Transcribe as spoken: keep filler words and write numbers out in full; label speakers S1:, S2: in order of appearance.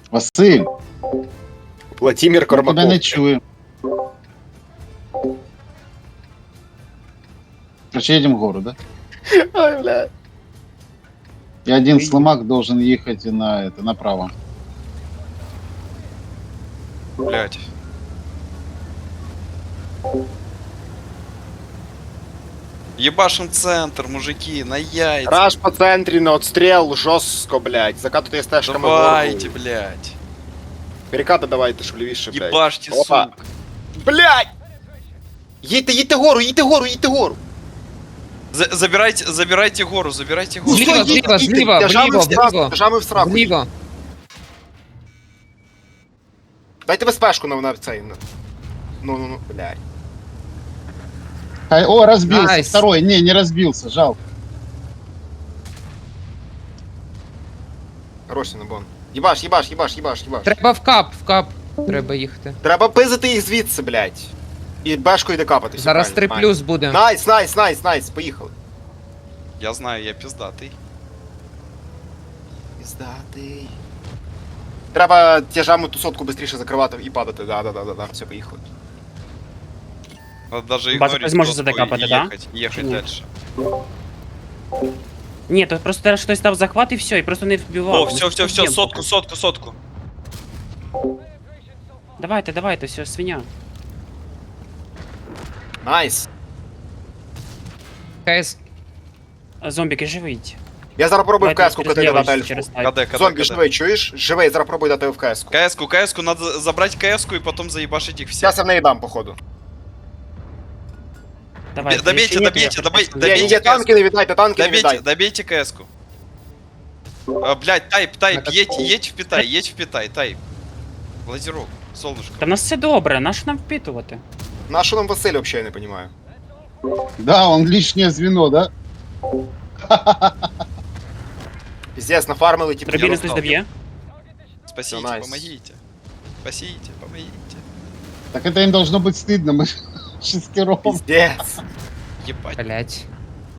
S1: Василь,
S2: Владимир
S1: я тебе
S2: Кормаков.
S1: не чую. Короче, едем в гору, да?
S2: Ой, бля.
S1: И один сломак должен ехать на это, направо.
S3: Блять. Ебашим центр, мужики, на яйца.
S2: Раш по центрі на отстріл жорстко, блядь. Закатуйте стежками
S3: Давайте,
S2: вгору.
S3: блять.
S2: Перекати давайте, щоб лівіше, блядь.
S3: Ебашьте,
S2: Опа.
S3: сука.
S2: Блядь! Їдьте, їдьте гору, їдьте гору, їдьте гору.
S3: За- забирайте, забирайте гору, забирайте гору.
S4: Зліва,
S2: Їдьте,
S4: зліва,
S2: їдьте,
S4: зліва,
S2: держами
S4: вліво,
S2: в сраку,
S4: вліво.
S2: держами в сраку.
S4: Вліво.
S2: Дайте безпешку на, на цей. на- Ну, ну, ну, блядь.
S1: Ай, О, разбился.
S4: Найс.
S1: Второй. Не, не разбился. Жалко.
S2: Хороший набон. Їбаш, їбаш, їбаш, їбаш, їбаш.
S4: Треба в кап, в кап. Треба їхати.
S2: Треба пизити їх звідси, блядь. І бешкою йде капати. все
S4: Зараз три
S2: правильно.
S4: плюс буде.
S2: Найс, найс, найс, найс, поїхали.
S3: Я знаю, я пиздатый.
S2: Пиздатий. Треба тяжами ту сотку швидше закривати і падати. Да, да, да, да, да. Все, поїхали.
S3: Надо даже
S5: База
S3: игнорить
S5: зможе
S3: сотку
S5: задекапати,
S3: и
S5: да?
S3: ехать, ехать
S5: Чи ні?
S3: дальше.
S5: Ні, то просто зараз хтось дав захват і все, і просто не вбивав.
S3: О,
S5: Ми
S3: все, все, все,
S5: вб'ємо
S3: сотку,
S5: поки.
S3: сотку, сотку.
S5: Давайте, давайте, все, свиня.
S2: Найс.
S4: КС.
S5: А, Зомбіки, живіть.
S2: Я зараз пробую в
S5: Давайте
S2: КС-ку
S5: через
S2: КТ
S5: ліво,
S2: дати ельфу.
S5: через тайп.
S3: КД, КД,
S2: Зомбі,
S3: КД.
S2: живий, чуєш? Живий, зараз пробую дати в КС-ку.
S3: КС-ку, КС-ку, надо забрать КС-ку и потом заебашить их всех.
S2: Зараз я в неї дам, походу.
S5: Давайте,
S3: Добейте,
S5: якщо ні, то
S3: добейте,
S5: я
S3: добейте,
S5: просто-
S2: Ні, ні,
S3: добейте
S2: ні, танки не віддайте, танки не
S3: Добейте,
S2: віддайте.
S3: добейте КС-ку. А, блядь, тайп, тайп, едь, едь в Питай, едь в Питай, тайп. Лазерок, солнышко.
S5: Та в нас все добре, нащо нам впитувати?
S2: На що нам Василь вообще, я не понимаю.
S1: Да, он лишнее звено, да?
S2: Пиздец, нафармили, типу.
S5: Дробіни
S3: достал.
S5: хтось доб'є?
S3: Спасите,
S2: Всё, найс.
S3: помогите. Спасите, помогите.
S1: Так это им должно быть стыдно. Мы шестером.
S2: Пиздец.
S3: Ебать.
S4: Блять.